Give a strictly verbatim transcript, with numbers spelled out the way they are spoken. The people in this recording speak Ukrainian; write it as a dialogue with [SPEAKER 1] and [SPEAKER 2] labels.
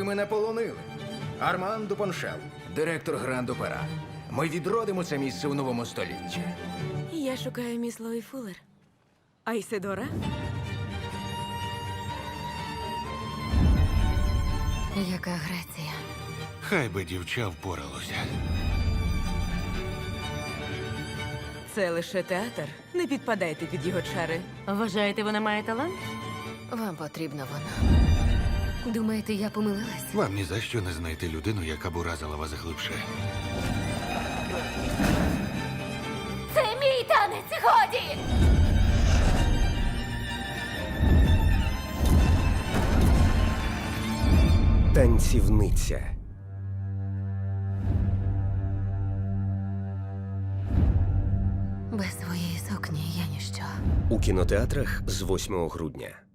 [SPEAKER 1] мене полонили. Арман Дупоншел, директор Гранд-Опера. Ми відродимо це місце у новому столітті.
[SPEAKER 2] Я шукаю міс Лої Фуллер. А Ісидора?
[SPEAKER 3] Яка Греція?
[SPEAKER 4] Хай би дівча впоралося.
[SPEAKER 2] Це лише театр. Не підпадайте під його чари.
[SPEAKER 3] Вважаєте, вона має талант? Вам потрібна вона. Думаєте, я помилилась?
[SPEAKER 4] Вам ні за що не знайти людину, яка б уразила вас глибше.
[SPEAKER 3] Це мій танець, годі!
[SPEAKER 5] Танцівниця.
[SPEAKER 3] Без своєї сукні я ніщо.
[SPEAKER 5] У кінотеатрах з восьмого грудня.